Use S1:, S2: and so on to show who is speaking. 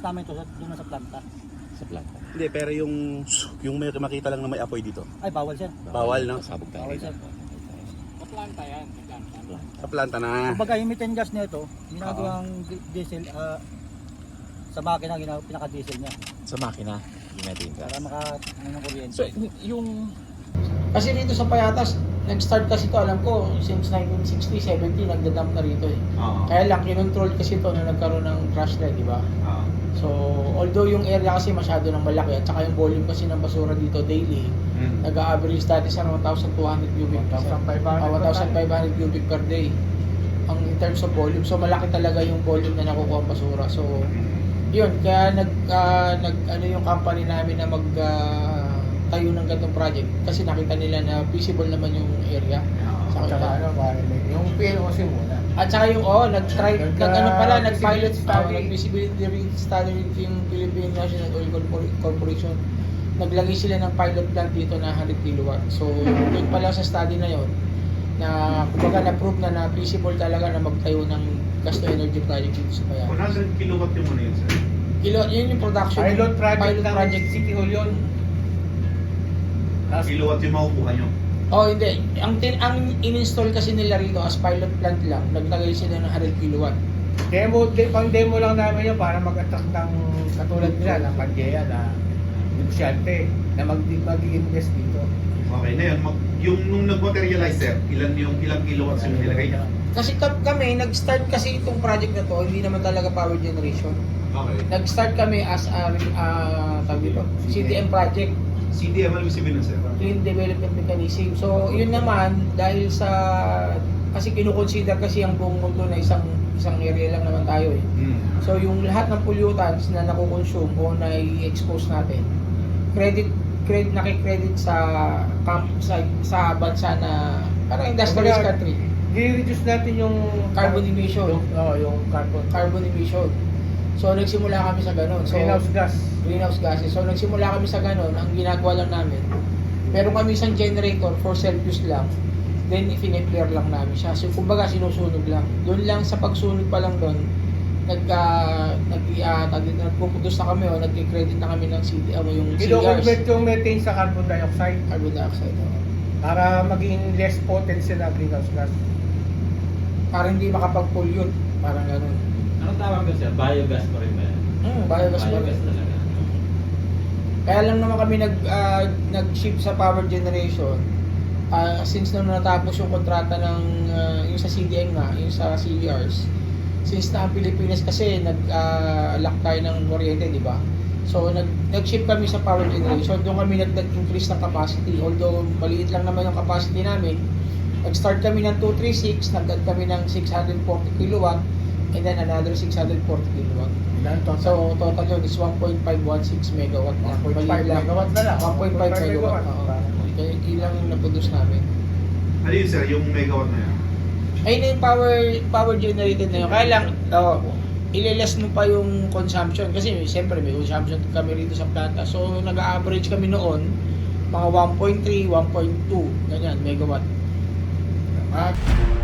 S1: namin ito doon sa planta.
S2: Sa planta.
S3: Hindi, pero yung may makita lang na may apoy dito.
S1: Ay, bawal siya.
S3: Bawal, no?
S2: Pasabog tayo.
S1: Bawal siya.
S4: Sa planta yan, sa planta.
S3: Sa planta na.
S1: Kumbaga, yung methane gas nito, ginagawang diesel, sa makina, pinaka-diesel niya.
S2: Sa makina, ginatin ka.
S1: Para ng kuryente.
S2: So, yung...
S5: Kasi dito sa Payatas, nag-start kasi ito, alam ko, since 1960, 70, nagdadump na rito eh. Kaya lang, kinontrol kasi ito na nagkaroon ng crash na, di ba? So, although yung area kasi masyado nang malaki at saka yung volume kasi ng basura dito daily, nag-a-average dati sa 1,200 cubic, 1,500 cubic per day ang in terms of volume. So, malaki talaga yung volume na nakukuha ang basura. So, yun, kaya ano yung company namin na tayo ng ganitong project kasi nakita nila na feasible naman yung area. Sa
S4: Yung PLOC muna.
S5: at saka yung nag-pilot study, nag-feasibility study yung Philippine National Oil Corporation. Naglagay sila ng pilot plant dito na 100 kilowatt. So, yun pala sa study na yon na kumbaga na-prove na feasible talaga na magtayo ng gas to energy project dito sa Payatas.
S6: 100 kilowatt yung muna yun, sir.
S5: Yun yung production.
S4: Pilot project
S5: project.
S4: ng City Hall yun.
S6: Kilowatt yung makukuha nyo.
S5: Oh, hindi. Ang in-install kasi nila rito as pilot plant lang, naglagay sila ng 100 kilowatt.
S4: Pang-demo lang namin yun para mag-attract ng katulad nila ng Pangea na negosyante na mag-invest dito.
S6: Okay, na yun. Yung nung nag-materialize, sir, ilang kilowatts yung nilagay niya?
S5: Kasi kami, nag-start kasi itong project na to, hindi naman talaga power generation.
S6: Okay.
S5: Nag-start kami as tawag dito, CDM project,
S6: CDM, ano yung sabihin nun, sir?
S5: Clean Development Mechanism. So, yun naman, dahil kasi kinukonsider kasi ang buong mundo na isang area lang naman tayo eh. So, yung lahat ng pollutants na nakukonsume o na-expose natin, nakikredit sa bansa na parang industrialized country.
S4: I-reduce natin yung
S5: Carbon emission.
S4: Yung
S5: Carbon emission. So, nagsimula kami sa ganun. So, greenhouse gases. So, nagsimula kami sa ganun. Ang ginagawa lang namin, meron kami isang generator for self-use lang. Then, i-clear lang namin siya. So, kumbaga, sinusunog lang. Doon lang, sa pagsunog pa lang doon, nagpupudos na kami o nag-credit na kami ng yung CRs.
S4: Kino-convert yung methane sa carbon dioxide
S5: Carbon dioxide.
S4: para maging less potent sila greenhouse gas.
S5: Para hindi makapag-pollute. Parang ganun.
S7: Ano tawag ko siya? Biogas pa rin ba yan?
S5: Biogas pa rin.
S7: Biogas talaga.
S5: Kaya lang naman kami nag-shift sa power generation. Since nung natapos yung kontrata ng yung sa CDM nga, yung sa CERs. Since na ang Pilipinas kasi nag-lock tayo ng kuryente, di ba? So nag-shift kami sa power generation. Doon kami nag-increase ng capacity. Although maliit lang naman yung capacity namin. Nag-start kami ng 236, nag-add kami ng 640 kilowatt and then another 640 kilowatt. So total yun is 1.516 megawatt.
S4: 1.5 megawatt na lang.
S5: 1.5 megawatt. Kaya ilang na-produce namin.
S6: Ano yun, sir? Yung megawatt na yan?
S5: Ayun na yung power generated na yun. Kaya lang, ileless mo pa yung consumption. Kasi siyempre may consumption kami rito sa planta. So nag-average kami noon, mga 1.3, 1.2, ganyan, megawatt.